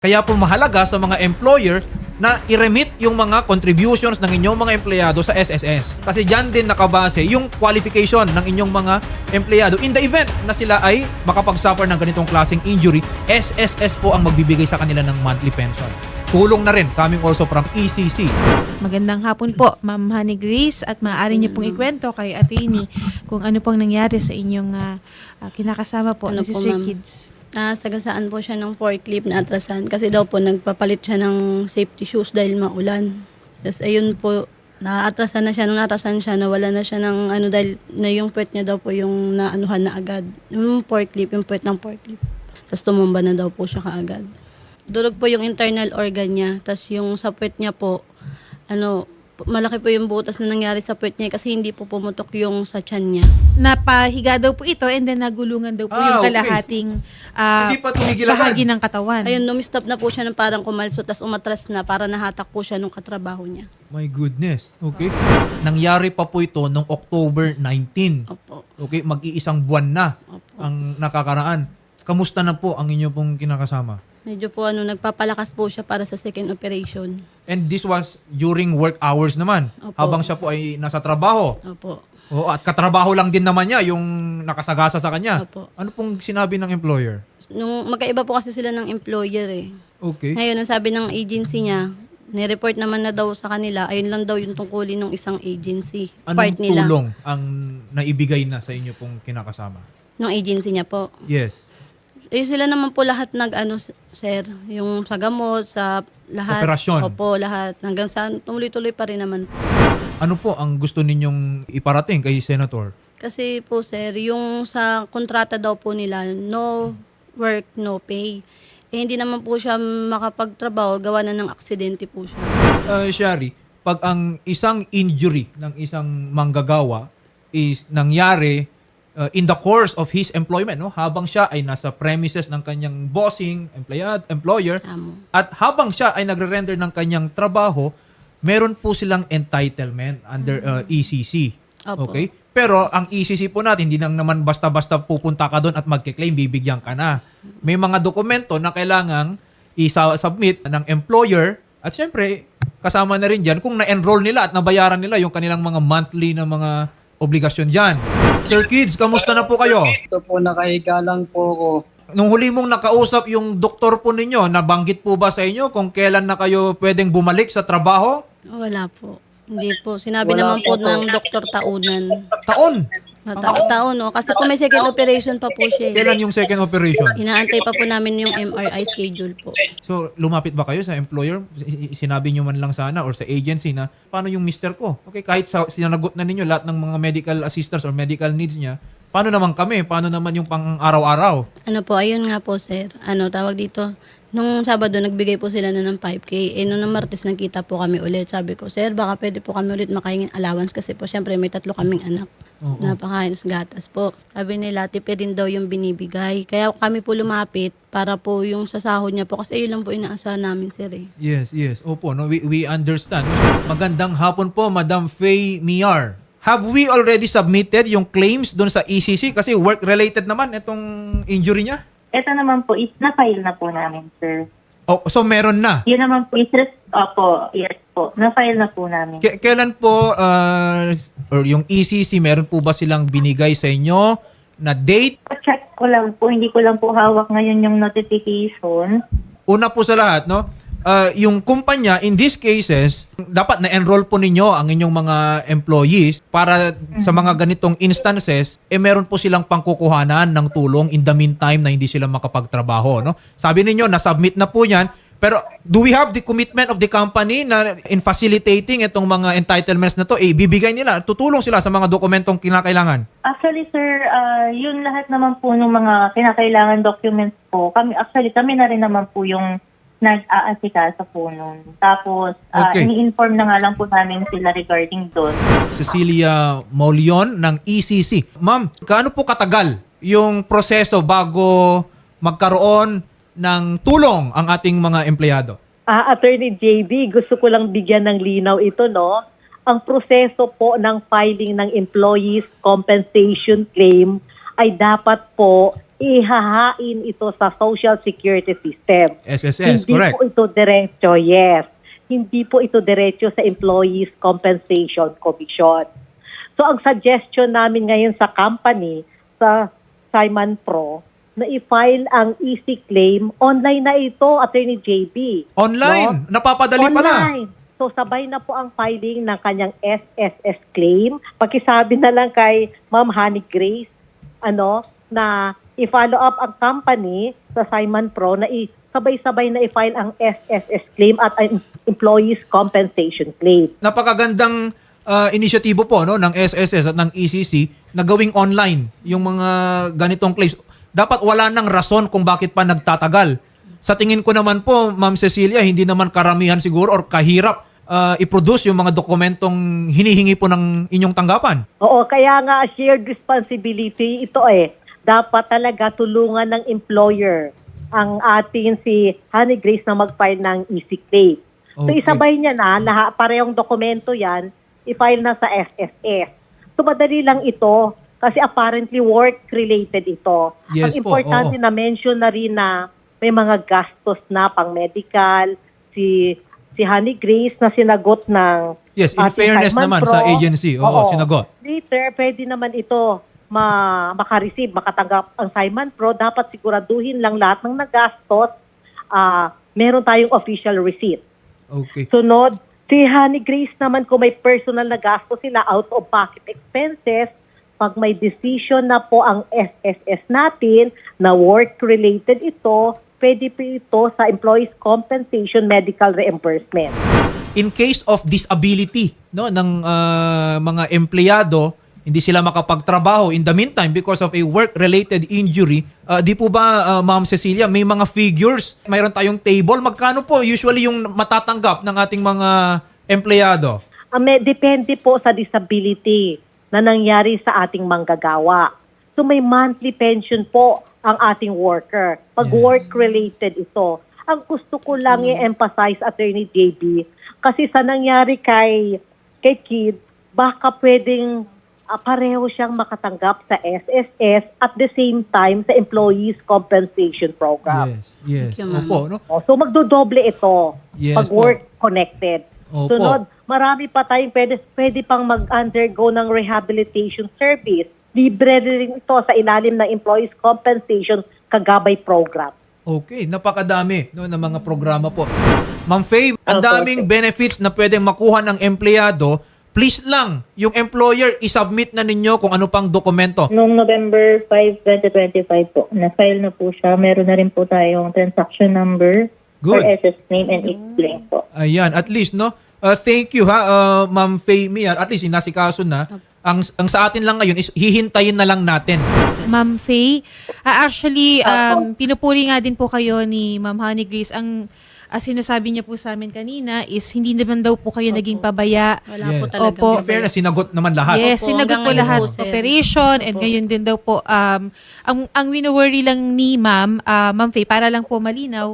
Kaya po mahalaga sa mga employer na i-remit yung mga contributions ng inyong mga empleyado sa SSS. Kasi dyan din nakabase yung qualification ng inyong mga empleyado. In the event na sila ay makapagsuffer ng ganitong klaseng injury, SSS po ang magbibigay sa kanila ng monthly pension. Tulong na rin coming also from ECC. Magandang hapon po, Ma'am Honey Grace, at maaari niyo pong ikwento kay Atty. Kung ano pong nangyari sa inyong kinakasama po na si Sir ma'am? Kids. Sagasaan po siya ng forklift na atrasan kasi daw po nagpapalit siya ng safety shoes dahil maulan. Tapos ayun po, naatrasan na siya. Nung natrasan siya, nawala na siya ng ano dahil na yung puwet niya daw po yung naanuhan na agad. Yung forklift, yung puwet ng forklift. Tapos tumumba na daw po siya kaagad. Durog po yung internal organ niya. Tapos yung sa puwet niya po, malaki po yung butas na nangyari sa puwet niya kasi hindi po pumutok yung sa tiyan niya. Napahiga daw po ito and then nagulungan daw po yung okay. kalahating Hindi pa tumigilan. bahagi ng katawan. Ayun, numistop na po siya ng parang kumalso, tapos umatras na para nahatak po siya nung katrabaho niya. My goodness. Okay. Nangyari pa po ito noong October 19. Opo. Okay, mag-iisang buwan na Opo. ang nakakaraan. Kamusta na po ang inyo pong kinakasama? Medyo po nagpapalakas po siya para sa second operation. And this was during work hours naman. Opo. Habang siya po ay nasa trabaho. Opo. Oo, at katrabaho lang din naman niya yung nakasagasa sa kanya. Opo. Ano pong sinabi ng employer? Nung magkaiba po kasi sila ng employer eh. Okay. Ngayon, ang sabi ng agency niya, nireport naman na daw sa kanila, ayun lang daw yung tungkulin ng isang agency. Anong part nila. tulong ang naibigay na sa inyo pong kinakasama? Ng agency niya po. Yes. Sila naman po lahat sir, yung sa gamot, sa lahat. Operasyon. Opo, lahat. Hanggang sa tuloy-tuloy pa rin naman po. Ano po ang gusto ninyong iparating kay Senator? Kasi po sir, yung sa kontrata daw po nila, no work, no pay. Hindi naman po siya makapagtrabaho, gawa na ng aksidente po siya. Shari, pag ang isang injury ng isang manggagawa is nangyari in the course of his employment, no? Habang siya ay nasa premises ng kanyang bossing, employer, Tama. at habang siya ay nagre-render ng kanyang trabaho, meron po silang entitlement under ECC. Opo. Okay? Pero ang ECC po natin, hindi nang naman basta-basta pupunta ka doon at magke-claim, bibigyan ka na. May mga dokumento na kailangang i-submit ng employer at syempre, kasama na rin dyan kung na-enroll nila at nabayaran nila yung kanilang mga monthly na mga obligasyon dyan. Sir Kids, kamusta na po kayo? Ito po, nakahiga lang po ako. Nung huli mong nakausap yung doktor po ninyo, nabanggit po ba sa inyo kung kailan na kayo pwedeng bumalik sa trabaho? Wala po. Hindi po. Sinabi Wala naman po po. ng doktor Taunan. Taon! Taon, no? Kasi po may second operation pa po siya. Kailan yung second operation? Inaantay pa po namin yung MRI schedule po. So, lumapit ba kayo sa employer? Sinabi nyo man lang sana or sa agency na, paano yung mister ko? Okay, kahit sinagot na ninyo lahat ng mga medical assistance or medical needs niya, paano naman kami? Paano naman yung pang-araw-araw? Ayun nga po, sir. Tawag dito. Nung Sabado, nagbigay po sila na ng 5K. Nung Martes, nagkita po kami ulit. Sabi ko, sir, baka pwede po kami ulit makahingin allowance kasi po, syempre, may 3 kaming anak. Oo. Napakain gatas po. Sabi nila, tipid daw yung binibigay. Kaya kami po lumapit para po yung sasahod niya po. Kasi ayun lang po inaasahan namin, sir. Yes, yes. Opo, no? We understand. Magandang hapon po, Madam Faye Miar. Have we already submitted yung claims doon sa ECC? Kasi work-related naman itong injury niya. Ito naman po is na-file na po namin, sir. Oh, so meron na. Yun naman po is, opo, yes po, na-file na po namin. Kailan po or yung ECC, meron po ba silang binigay sa inyo na date? Check ko lang po, hindi ko lang po hawak ngayon yung notification. Una po sa lahat, no? Yung kumpanya, in these cases, dapat na-enroll po ninyo ang inyong mga employees para sa mga ganitong instances, meron po silang pangkukuhanan ng tulong in the meantime na hindi sila makapagtrabaho. No? Sabi ninyo, na-submit na po yan, pero do we have the commitment of the company na in facilitating itong mga entitlements na to, bibigay nila, tutulong sila sa mga dokumentong kinakailangan? Actually, sir, yun lahat naman po ng mga kinakailangan documents po. Kami na rin naman po yung nag-aasika po nun. Tapos, Okay. ini-inform na nga lang po namin sila regarding doon. Cecilia Maulion ng ECC. Ma'am, gaano po katagal yung proseso bago magkaroon ng tulong ang ating mga empleyado? Attorney JB, gusto ko lang bigyan ng linaw ito, no? Ang proseso po ng filing ng employees compensation claim ay dapat po ihahain ito sa Social Security System. SSS, Hindi correct. po ito diretso, yes. Hindi po ito diretso sa Employees Compensation Commission. So ang suggestion namin ngayon sa company, sa Simon Pro, na i-file ang easy claim, online na ito, Attorney JB. Online, napapadali pala. Online. So sabay na po ang filing ng kanyang SSS claim. Pakisabi na lang kay Ma'am Honey Grace na i-follow up ang company sa Simon Pro na sabay-sabay na i-file ang SSS claim at ang Employees Compensation Claim. Napakagandang inisyatibo po no ng SSS at ng ECC na gawing online yung mga ganitong claims. Dapat wala nang rason kung bakit pa nagtatagal. Sa tingin ko naman po, Ma'am Cecilia, hindi naman karamihan siguro or kahirap i-produce yung mga dokumentong hinihingi po ng inyong tanggapan. Oo, kaya nga shared responsibility ito Dapat talaga tulungan ng employer ang atin si Honey Grace na mag-file ng easy claim. So Okay. isabay niya na, parehong dokumento yan, i-file na sa SSS. So madali lang ito kasi apparently work-related ito. Yes Ang po, importante oo. na mention na rin na may mga gastos na pang medical, si Honey Grace na sinagot ng Yes, in ating fairness Simon naman Pro. sa agency. Oo, sinagot. Later, pwede naman ito makareceive, makatanggap ang Simon Pro. Dapat siguraduhin lang lahat ng nagastos. Meron tayong official receipt. Okay. Sunod, si Honey Grace naman kung may personal na gastos sila, out-of-pocket expenses, pag may decision na po ang SSS natin na work-related ito, pwede po ito sa Employees Compensation Medical Reimbursement. In case of disability no ng mga empleyado, hindi sila makapagtrabaho in the meantime because of a work-related injury, di po ba Ma'am Cecilia, may mga figures, mayroon tayong table, magkano po usually yung matatanggap ng ating mga empleyado? Depende po sa disability na nangyari sa ating manggagawa. So may monthly pension po ang ating worker. Pag Yes. work-related ito. Ang gusto ko lang i-emphasize, Attorney JB, kasi sa nangyari kay Kid, baka pwedeng pareho siyang makatanggap sa SSS at the same time sa Employees Compensation Program. Yes. Thank you, ma'am. Opo, no? So magdodoble ito Yes pag po. work-connected. Opo. Sunod, marami pa tayong pwede pang mag-undergo ng rehabilitation service. Libre rin ito sa ilalim ng Employees Compensation Kagabay Program. Okay, napakadami no ng mga programa po. Ma'am Faye, ang Opo, daming benefits na pwedeng makuha ng empleyado. Please lang, yung employer isubmit na ninyo kung ano pang dokumento. Noong November 5, 2025 po, na-file na po siya. Meron na rin po tayong transaction number for Good. SS name and explain po. Ayan, at least no. Thank you ha, Ma'am Faye Mia. At least inasikaso na. Ang sa atin lang ngayon is hihintayin na lang natin. Ma'am Faye, actually, pinupuri nga din po kayo ni Ma'am Honey Grace. Ang sinasabi niya po sa amin kanina is hindi naman daw po kayo naging pabaya. Wala Yes. po talaga. Opo. In fairness, sinagot naman lahat. Yes, Opo, sinagot hanggang po ngayon lahat po, sir. operation and Opo. ngayon din daw po ang wino-worry lang ni Ma'am Faye para lang po malinaw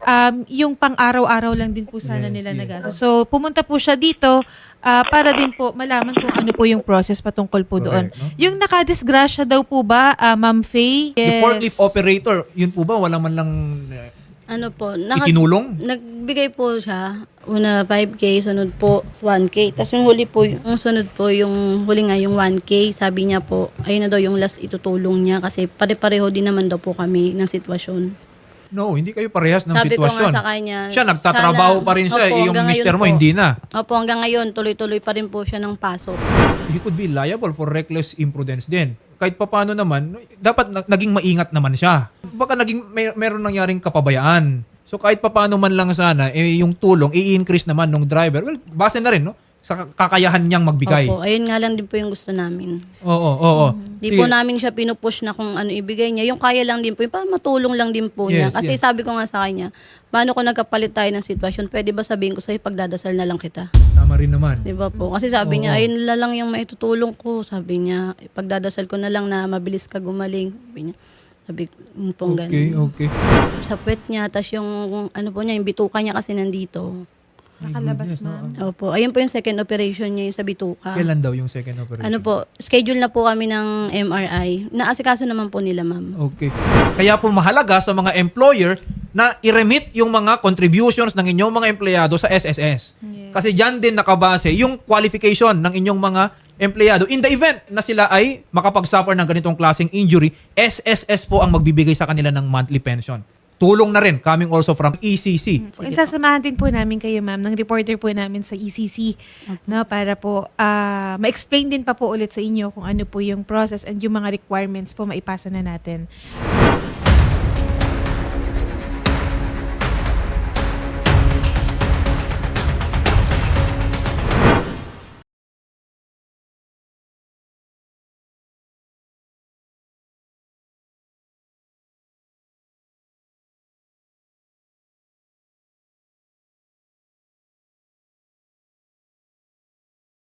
yung pang-araw-araw lang din po sana Yes, nila yes. nagastos. So pumunta po siya dito para din po malaman kung ano po yung process patungkol po doon. Correct, no? Yung nakadisgrasya daw po ba Ma'am Faye? Yung forklift operator, yun po ba? Wala man lang Ano po, itinulong? nagbigay po siya. Una 5K, sunod po 1K. Tapos yung huli po, yung sunod po, yung huli nga yung 1K, sabi niya po, ayun na daw yung last itutulong niya kasi pare-pareho din naman daw po kami ng sitwasyon. No, hindi kayo parehas ng Sabi ko sitwasyon. nga sa kanya, Siya nagtatrabaho sana- pa rin siya, Opo, yung hanggang mister ngayon mo po. hindi na. Opo, hanggang ngayon, tuloy-tuloy pa rin po siya ng pasok. He could be liable for reckless imprudence din. Kahit papaano naman, dapat naging maingat naman siya. Baka meron nangyaring kapabayaan. So kahit papaano man lang sana, yung tulong, i-increase naman ng driver. Well, base na rin, no? Sa kakayahan niyang magbigay. Opo, ayun nga lang din po yung gusto namin. Oo. Di Sige. po namin siya pinupush na kung ano ibigay niya. Yung kaya lang din po, yung parang matulong lang din po niya. Yes, Kasi yes. sabi ko nga sa kanya, paano kung nagkapalit tayo ng sitwasyon, pwede ba sabihin ko sa'yo, pagdadasal na lang kita? Tama rin naman. Di ba po? Kasi sabi niya, Oo. ayun na lang yung maitutulong ko. Sabi niya, pagdadasal ko na lang na mabilis ka gumaling. Sabi pong Okay, ganun. okay. Sa puwet niya, tas yung ano po niya, yung bituka niya kasi nandito. Nakalabas, ma'am. Opo, ayun po yung second operation niya yung sa bituka. Kailan daw yung second operation? Ano po, schedule na po kami ng MRI. Naasikaso naman po nila, ma'am. Okay. Kaya po mahalaga sa mga employer na i-remit yung mga contributions ng inyong mga empleyado sa SSS. Yes. Kasi dyan din nakabase yung qualification ng inyong mga empleyado. In the event na sila ay makapagsuffer ng ganitong klaseng injury, SSS po ang magbibigay sa kanila ng monthly pension. Tulong na rin, coming also from ECC. And sasamahan din po namin kayo, ma'am, ng reporter po namin sa ECC, no, para po ma-explain din pa po ulit sa inyo kung ano po yung process and yung mga requirements po maipasa na natin.